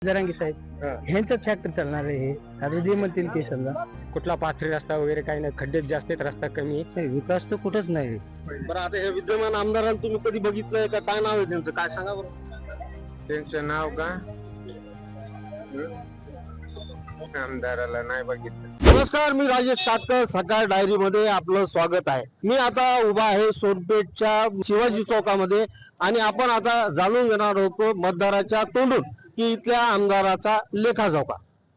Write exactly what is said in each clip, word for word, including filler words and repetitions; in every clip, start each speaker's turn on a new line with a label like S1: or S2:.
S1: जरांगे साहेब
S2: हा.
S1: ह्यांचाच फॅक्टर चालणार आहे हे. आता जे म्हणतील ते समजा.
S2: कुठला पाथरी रस्ता वगैरे काही नाही, खड्डेच जास्त आहेत, रस्ता कमी आहे.
S1: नाही, विकास तर कुठंच नाही.
S2: बरं, आता हे विद्यमान आमदारांना तुम्ही कधी बघितलंय का? काय नाव आहे त्यांचं, काय सांगा बरं. त्यांचं नाव का आमदाराला नाही बघितलं. नमस्कार, मी राजेश काटकर, सकाळ डायरी मध्ये आपलं स्वागत आहे. मी आता उभा आहे सोनपेठच्या शिवाजी चौकामध्ये आणि आपण आता जाणून घेणार आहोत मतदाराच्या तोंडून की इथल्या आमदाराचा लेखाजोखा.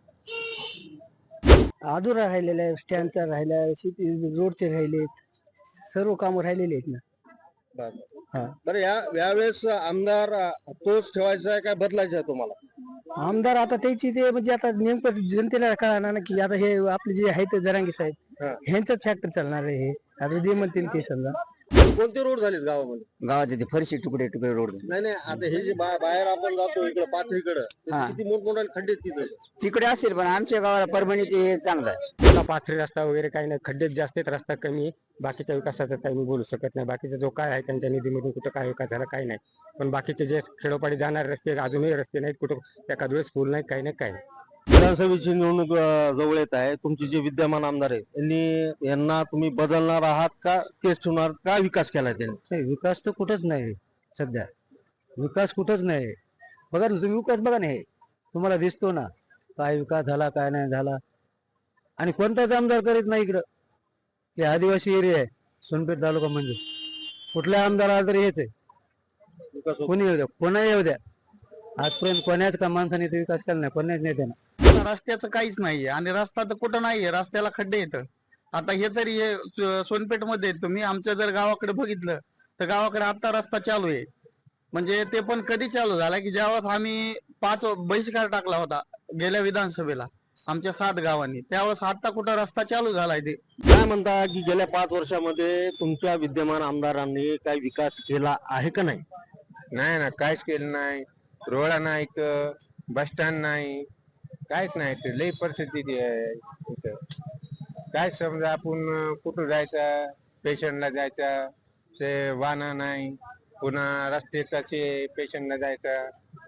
S1: अधुरा राहिलेला आहे, स्टँडचा राहिला, शेती रोडचे राहिले, सर्व कामं राहिलेली आहेत ना. हा.
S2: बरं, या यावेळेस आमदार तोच ठेवायचा आहे काय बदलायचा आहे तुम्हाला?
S1: आमदार आता त्याची ते म्हणजे आता नेमकं जनतेला कळणार ना की आता हे आपले जे आहेत जरांगे साहेब
S2: हा.
S1: ह्यांचाच फॅक्टर चालणार आहे हे. आता जे म्हणतील ते समजा.
S2: कोणते रोड झालेत गावामध्ये?
S1: गावाचे ते फरशी तुकडे तुकडे रोड
S2: नाही नाही, आता हे जे बा- बाहेर आपण जातो इकडे पाथरीकडे,
S1: हा.
S2: किती मोठमोठे खड्डे आहेत तिथे.
S1: तिकडे असेल पण आमच्या गावाला परभणीचे हे चांगलं आहे.
S2: कुठला पाथरी रस्ता वगैरे काही नाही, खड्डेच जास्त आहेत, रस्ता कमी आहे. बाकीच्या विकासाचं काही मी बोलू शकत नाही. बाकीचा जो काय आहे त्यांच्या निधीमधून कुठं काय विकास झाला काही नाही. पण बाकीचे जे खेडोपाडी जाणारे रस्ते अजूनही रस्ते नाहीत, कुठं एखाद वेळेस स्कूल नाही, काही नाही काही नाही. विधानसभेची निवडणूक अं, जवळ येत आहे. तुमचे जे विद्यमान आमदार आहेत त्यांनी यांना तुम्ही बदलणार आहात का तेच ठेवणार का? विकास केलाय त्यांनी?
S1: नाही, विकास तर कुठंच नाही सध्या. विकास कुठंच नाही. बघा ना तुम्ही, विकास बघा ना, हे तुम्हाला दिसतो ना काय विकास झाला काय नाही झाला. आणि कोणताच आमदार करीत नाही इकडं. हे आदिवासी एरिया आहे सोनपेठ तालुका, म्हणजे कुठल्या आमदाराला तरी हेच आहे.
S2: विकास होत
S1: कोणी येऊ द्या, कोणाही येऊ द्या, आजपर्यंत कोणाच का माणसाने इथे विकास केला नाही, कोणाच नेत्यानं.
S3: रस्त्याचं काहीच नाहीये आणि रस्ता तर कुठं नाहीये, रस्त्याला खड्डे येतं. आता हे तरी हे सोनपेठ मध्ये तुम्ही आमच्या जर गावाकडे बघितलं तर गावाकडे आता रस्ता चालू आहे. म्हणजे ते पण कधी चालू झाला की ज्यावेळेस आम्ही पाच बहिष्कार टाकला होता गेल्या विधानसभेला आमच्या सात गावांनी, त्यावेळेस आता कुठं रस्ता चालू झालाय. ते
S2: काय म्हणता की गेल्या पाच वर्षामध्ये तुमच्या विद्यमान आमदारांनी काही विकास केला आहे का नाही?
S4: नाही ना, काहीच केलं नाही. रोड नाही, बस स्टँड नाही, काहीच नाही. ते लई परिस्थिती आहे इथं. काय समजा आपण कुठं जायचं, पेशंटला जायचं ते वाहन नाही, पुन्हा रस्ते तसे पेशंटला जायचं,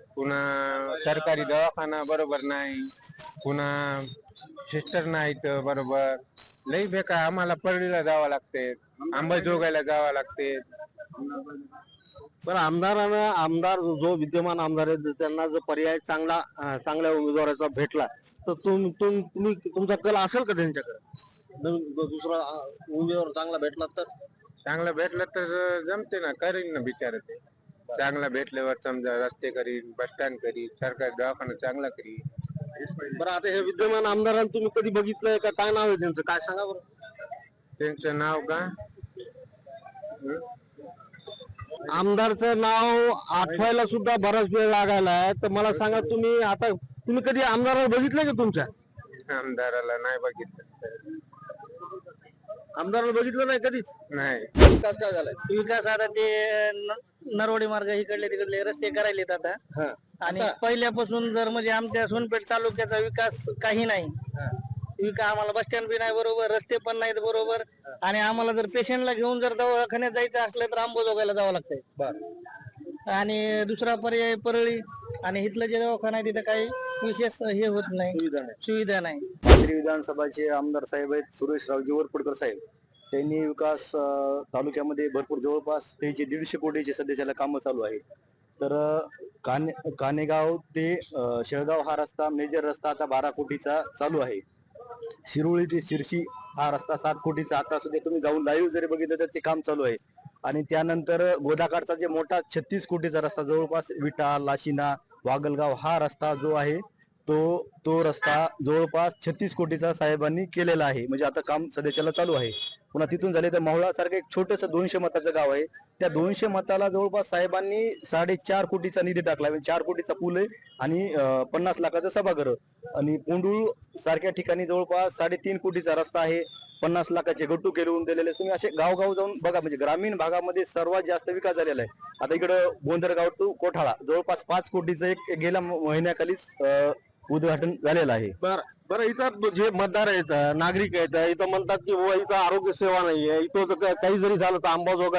S4: पुन्हा सरकारी दवाखाना बरोबर नाही, पुन्हा सिस्टर नाहीत बरोबर. लई बेकार. आम्हाला परळीला जावं लागते, अंबाजोगाईला जावं लागते.
S2: पण आमदारानं आमदार जो विद्यमान आमदार आहे त्यांना जर पर्याय चांगला अं, चांगल्या उमेदवाराचा भेटला तर तुम तुम तुम्ही तुमचा कल असेल का त्यांच्याकडे? नवीन दु- दुसरा अं, उमेदवार चांगला भेटला तर?
S4: चांगलं भेटलं तर जमते ना, करीन ना बिचार ते. चांगला भेटल्यावर समजा रस्ते करीन, बस स्टँड करीन, सरकारी दवाखाना चांगला करीन.
S2: बरं, आता हे विद्यमान आमदारांना तुम्ही कधी बघितलंय का? काय नाव आहे त्यांचं, काय सांगा बरं.
S4: त्यांचं नाव का
S2: आमदारचं नाव आठवायला सुद्धा बराच वेळ लागायला आहे. तर मला सांगा, तुम्ही आता तुम्ही कधी आमदाराला बघितलंय का? तुमच्या
S4: आमदाराला नाही बघितलं.
S2: आमदाराला बघितलं नाही कधीच?
S4: नाही.
S2: विकास काय झालाय?
S1: विकास आता ते न- नरवडे मार्ग इकडले तिकडले रस्ते करायलेत आता.
S2: हा.
S1: आणि
S2: आता?
S1: पहिल्यापासून जर म्हणजे आमच्या सोनपेठ तालुक्याचा विकास काही नाही. विकास आम्हाला बस स्टँड बी नाही बरोबर, रस्ते पण नाहीत बरोबर. आणि आम्हाला जर पेशंटला घेऊन जर दवाखान्यात जायचं असलं तर अंबाजोगाईला जावं लागतंय.
S2: बरं.
S1: आणि दुसरा पर्याय परळी, आणि इथलं जे दवाखाना आहे तिथं काही विशेष हे होत नाही,
S2: सुविधा नाही.
S1: सुविधा नाही.
S5: पाथरी विधानसभाचे आमदार साहेब आहेत सुरेशरावजी वरपुडकर साहेब. त्यांनी विकास अं, तालुक्यामध्ये भरपूर जवळपास त्याचे दीडशे कोटीचे सध्याच्याला कामं चालू आहेत. तर अं, काने कानेगाव ते अं, शेळगाव हा रस्ता मेजर रस्ता आता बारा कोटीचा चालू आहे. शिरोळी ते शिरशी हा रस्ता सात कोटीचा आता सुद्धा तुम्ही जाऊन लाईव्ह जरी बघितलं तर ते काम चालू आहे. आणि त्यानंतर गोदाकाठचा जे मोठा छत्तीस कोटीचा रस्ता जवळपास विटा, लाशिना, वागलगाव हा रस्ता जो आहे तो तो रस्ता जवळपास छत्तीस कोटीचा साहेबांनी केलेला आहे. म्हणजे आता काम सध्याच्याला चालू आहे. पुन्हा तिथून झाले तर मावळा सारखं एक छोटस दोनशे मताचं गाव आहे. त्या दोनशे मताला जवळपास साहेबांनी साडेचार कोटीचा निधी टाकला. चार कोटीचा पूल आहे आणि अं, पन्नास लाखाचं सभागृह. आणि पोंडूळ सारख्या ठिकाणी जवळपास साडेतीन कोटीचा रस्ता आहे. पन्नास लाखाचे गट्टू केलवून दिलेले. तुम्ही असे गावगाव जाऊन बघा, म्हणजे ग्रामीण भागामध्ये सर्वात जास्त विकास झालेला आहे. आता इकडं बोंदरगाव टू कोठाळा जवळपास पाच कोटीचं एक गेल्या महिन्याखालीच अं, उद्घाटन झालेलं आहे.
S2: बरं बरं, इथं जे मतदार आहेत, नागरिक आहेत, इथं म्हणतात की बुवा इथं आरोग्य सेवा नाहीये, इथं जर का- काही जरी झालं तर अंबाजोगाई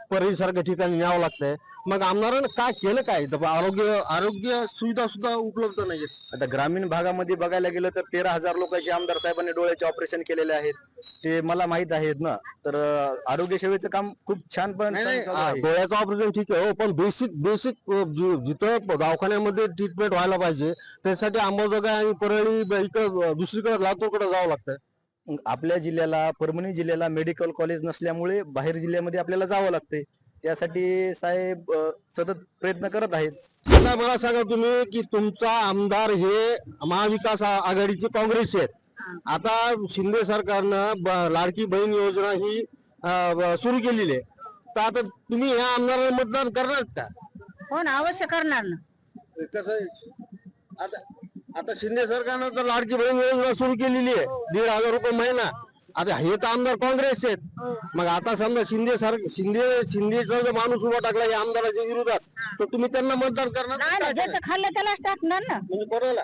S6: परळीसारख्या ठिकाणी न्यावं लागतंय. मग आमदारानं काय केलं काय इथं? आरोग्य आरोग्य सुविधा सुद्धा उपलब्ध नाहीयेत.
S5: आता ग्रामीण भागामध्ये बघायला गेलं तर तेरा हजार लोकांचे आमदार साहेबांनी डोळ्याचे ऑपरेशन केलेले आहेत, ते मला माहित आहेत ना. तर अं, आरोग्य सेवेचं काम खूप छान पण
S6: नाही नाही
S5: चालू
S6: आ,
S5: आहे.
S6: डोळ्याचं ऑपरेशन ठीक आहे हो, पण बेसिक बेसिक जिथं दवाखान्यामध्ये ट्रीटमेंट व्हायला पाहिजे त्यासाठी अंबाजोगाई आणि परळी ब- इकडं दुसरीकडे लातूरकडे जावं लागतंय.
S5: आपल्या जिल्ह्याला परभणी जिल्ह्याला मेडिकल कॉलेज नसल्यामुळे बाहेर जिल्ह्यामध्ये आपल्याला जावं लागते. त्यासाठी साहेब अं, सतत प्रयत्न करत आहेत.
S6: आता मला सांगा तुम्ही की तुमचा आमदार हे महाविकास आ- आघाडीचे काँग्रेसचे आहेत. आता शिंदे सरकारनं ब- लाडकी बहीण योजना ही सुरू केलेली आहे. तर आता तुम्ही ह्या आमदाराला मतदान करणार का?
S7: हो ना, अवश्य करणार ना.
S6: कसं आहे? आता आता शिंदे सरकारनं तर लाडकी बहीण योजना सुरू केलेली आहे, दीड हजार रुपये महिना. आता हे तर आमदार काँग्रेसचे आहेत. मग आता समजा शिंदे सर शिंदे शिंदेचा जो माणूस उभा टाकला या आमदाराच्या विरोधात, तर तुम्ही त्यांना मतदान करणार
S7: नाही ना,
S6: का?
S7: ज्याचं खाल्लं त्यालाच टाकणार ना.
S6: म्हणजे कोणाला?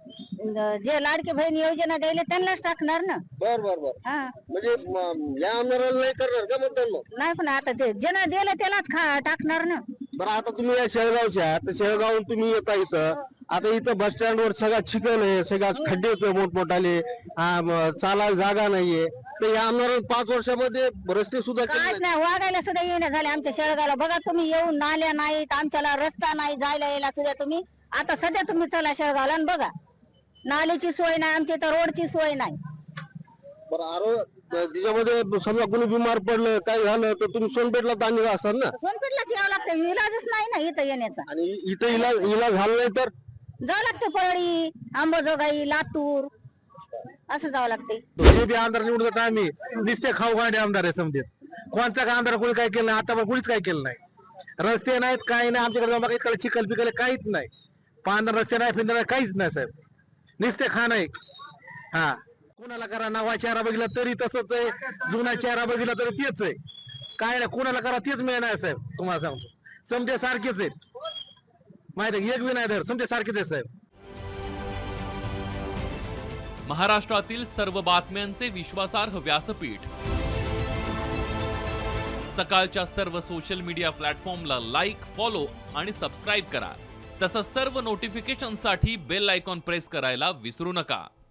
S7: जे लाडकी बहीण योजना द्यायला त्यांनाच टाकणार ना.
S6: बर बर बर.
S7: हा,
S6: म्हणजे म- या आमदाराला नाही करणार का मतदान मग?
S7: नाही पण आता ते ज्यानं दिलं त्यालाच खा टाकणार ना.
S6: बरं, आता तुम्ही या शेळगावच्या आहात, तर शेळगावून तुम्ही येता इथं. आता इथं बस स्टँड वर सगळा चिखल आहे, सगळा खड्डे आहेत मोठमोठाले, हा, म- चालायला जागा नाहीये. तर या आमदारानं पाच वर्षामध्ये रस्ते सुद्धा केले
S7: काहीच
S6: नाहीत.
S7: नाही, वागायला सुद्धा येणं झाले आमच्या शेळगावला. बघा तुम्ही, येऊन नाल्या नाहीत, आमच्याला रस्ता नाही जायला यायला सुद्धा. तुम्ही आता सध्या तुम्ही चला शेळगावला आणि बघा, नालीची सोय नाही आमची, तर रोडची सोय नाही.
S6: बरं, आरो त्याच्यामध्ये समजा कोणी बिमार पडलं काय झालं तर तुम्ही सोनपेठला तांदूळ असतात ना,
S7: सोनपेठलाच यावं लागतं, इलाजच नाही ना इथं येण्याचा.
S6: आणि इथं इलाज इलाज झाला नाही तर
S7: जावं लागतं परळी, अंबाजोगाई, लातूर, असं जावं लागते.
S8: जे बी आमदार निवडतात आम्ही नुसते खाऊ गांडे आमदार आहे समजेत. कोणता का आमदार कोणी काय केलं नाही, आता पण कोणीच काय केलं नाही. रस्ते नाहीत, काही नाही आमच्याकडे जाऊन बघा, इकडे चिखल पिकल काहीच नाही, पांढरा रस्ते नाही, फिंदर काहीच नाही साहेब, नुसते खाणं आहे. हा, कुणाला करा नवा चेहरा बघितला तरी तसंच आहे, जुना चेहरा बघितला तरी तेच आहे. काय नाही, कुणाला करा तेच मिळणार साहेब. तुम्हाला सांगतो, समजे सारखेच आहेत, माहिती आहे, एक बी नाही धर, समजे सारखेच आहे साहेब.
S9: महाराष्ट्रातील सर्व बातम्यांचे विश्वासार्ह व्यासपीठ, सकाळच्या सर्व सोशल मीडिया प्लॅटफॉर्मला लाईक, फॉलो आणि सबस्क्राईब करा. तसंच सर्व नोटिफिकेशनसाठी बेल आयकॉन प्रेस करायला विसरू नका.